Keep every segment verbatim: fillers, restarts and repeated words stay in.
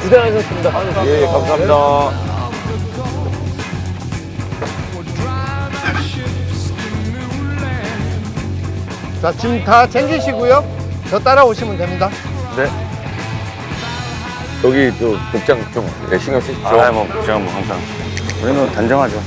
고생하셨습니다. 예, 감사합니다. 자, 짐 다 챙기시고요. 저 따라오시면 됩니다. 네. 여기 또 복장 좀 신경 쓰시죠? 아, 뭐 제가 뭐 항상 우리는 단정하죠.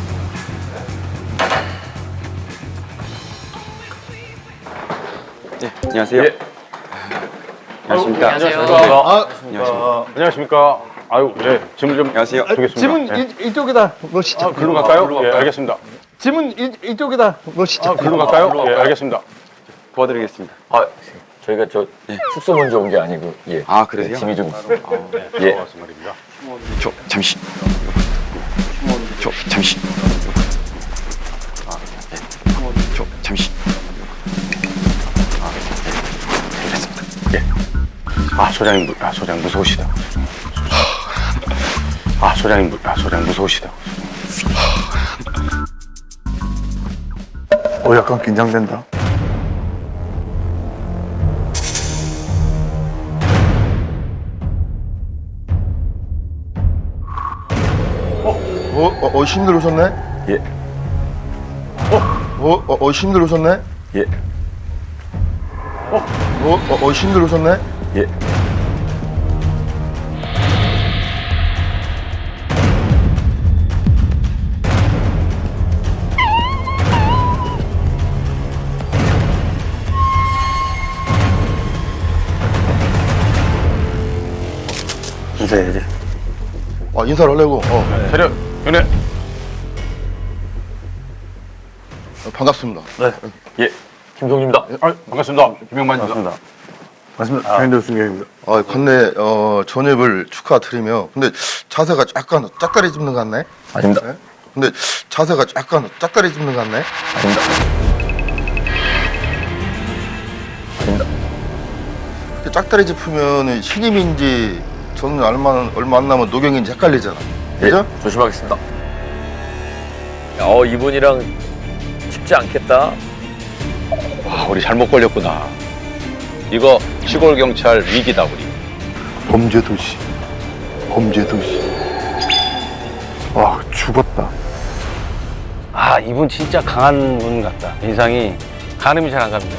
네, 안녕하세요. 예. 안녕하십니까. 안녕하세요. 아, 안녕하십니까. 안녕하십니까. 아유, 예, 짐을 좀 안녕하세요. 주겠습니다. 짐은 예. 이, 이쪽에다 놓으시죠. 아, 글로 갈까요? 예, 알겠습니다. 짐은 이, 이쪽에다 놓으시죠. 아, 글로 갈까요? 예, 알겠습니다. 도와드리겠습니다. 아, 저희가 저 숙소 먼저 온 게 아니고, 예. 아, 그러세요? 짐이 좀 있어요. 예. 예. 고맙습니다. 말입니다. 저 잠시. 저 잠시. 아, 네. 저 잠시. 아, 네. 됐습니다. 예. 아, 소장님, 무- 아, 소장 무서우시다. 아, 소장님, 무- 아, 소장 무서우시다. 어, 약간 긴장된다. 어, 어, 어, 힘들 오셨네? 예. 어, 어, 어, 힘들 오셨네? 예. 어, 어, 어, 힘들 오셨네? 예. 인사해야지. 아, 인사를 하려고. 어, 차렷, 연애. 어, 반갑습니다. 예. 김성주입니다. 아, 반갑습니다. 김영만입니다. 반갑습니다. 맞습니다. 배현도 승객입니다. 아, 관내 어, 전입을 축하드리며. 근데 자세가 약간 짝다리 짚는 것 같네? 아닙니다. 네? 근데 자세가 약간 짝다리 짚는 것 같네? 아닙니다. 아닙니다. 이렇게 짝다리 짚으면 신임인지 저는 얼마, 얼마 안 남은 노경인지 헷갈리잖아. 그죠? 예, 조심하겠습니다. 어, 이분이랑 쉽지 않겠다. 와, 우리 잘못 걸렸구나. 이거 시골 경찰 위기다, 우리. 범죄 도시. 범죄 도시. 와, 죽었다. 아, 이분 진짜 강한 분 같다. 인상이 가늠이 잘 안 갑니다.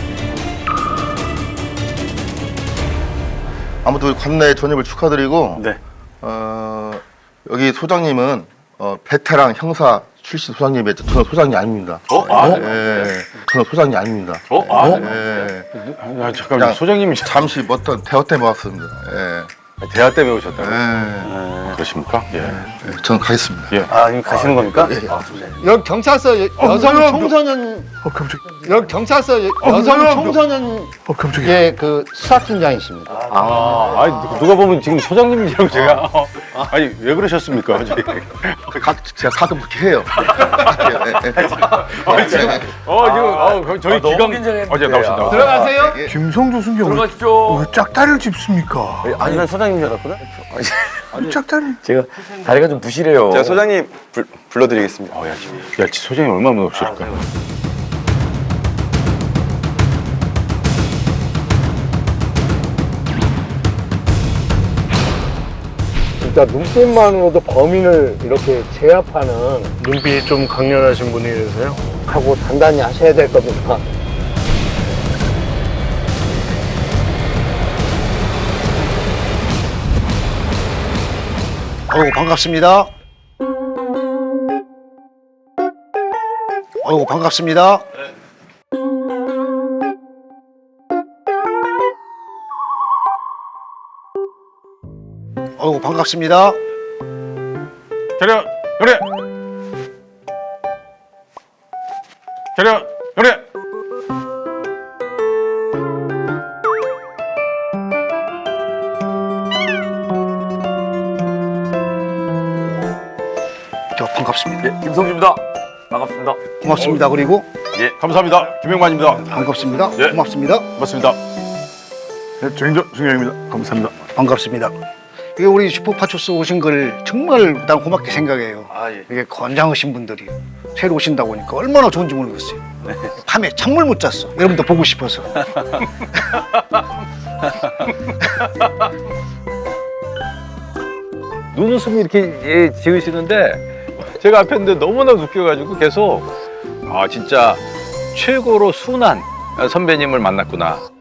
아무튼 관내 전입을 축하드리고 네. 어, 여기 소장님은 어, 베테랑 형사 출신 소장님이 저는 소장이 아닙니다. 어? 아, 예, 저는 소장이 아닙니다. 어? 아, 예, 아, 잠깐만. 그냥 소장님이 잠시 어떤 대화 때문에 왔습니다. 예, 대화 때 배우셨다고? 예, 그러십니까? 예. 예, 저는 가겠습니다. 예. 아, 지금 가시는 겁니까? 여기 경찰서 여, 여성 청소년 어, 깜짝이야. 여기 경찰서 여, 여성 청소년 어, 깜짝이야. 예, 그 수사팀장이십니다. 아, 아니, 누가 보면 지금 소장님이라고 제가. 어, 아니, 왜 그러셨습니까? 저기. 각 제가 가끔 그렇게 해요. 예, 예, 예. 어, 지금, 어, 그 저희 아, 너무 기강. 긴장했는데. 어제 나오신다고. 아, 들어가세요. 예. 김성주 승객 왜, 들어가십시오. 왜 짝다리를 짚습니까? 아니, 난 소장님 줄 알았거든? 왜 짝다리? 제가 다리가 좀 부실해요. 제가 소장님 불, 불러드리겠습니다. 어, 야, 지금. 야, 지 소장님 얼마나 무섭실까? 진짜 눈빛만으로도 범인을 이렇게 제압하는 눈빛이 좀 강렬하신 분이라서요. 하고 단단히 하셔야 될 겁니다. 어우 반갑습니다. 어우 반갑습니다. 어우 반갑습니다. 차렷, 연애. 차렷, 연애. 저 반갑습니다. 예, 김성주입니다. 반갑습니다. 고맙습니다. 그리고 예, 감사합니다. 김영만입니다. 반갑습니다. 예. 고맙습니다. 고맙습니다. 네, 정인조 승객입니다. 감사합니다. 반갑습니다. 이게 우리 슈퍼파초스 오신 걸 정말 난 고맙게 생각해요. 아, 예. 이게 건장하신 분들이 새로 오신다고 하니까 얼마나 좋은지 모르겠어요. 밤에 잠을 못 잤어. 여러분도 보고 싶어서. 눈웃음이 이렇게 예, 지으시는데 제가 앞에 있는데 너무나 웃겨가지고 계속 아 진짜 최고로 순한 선배님을 만났구나.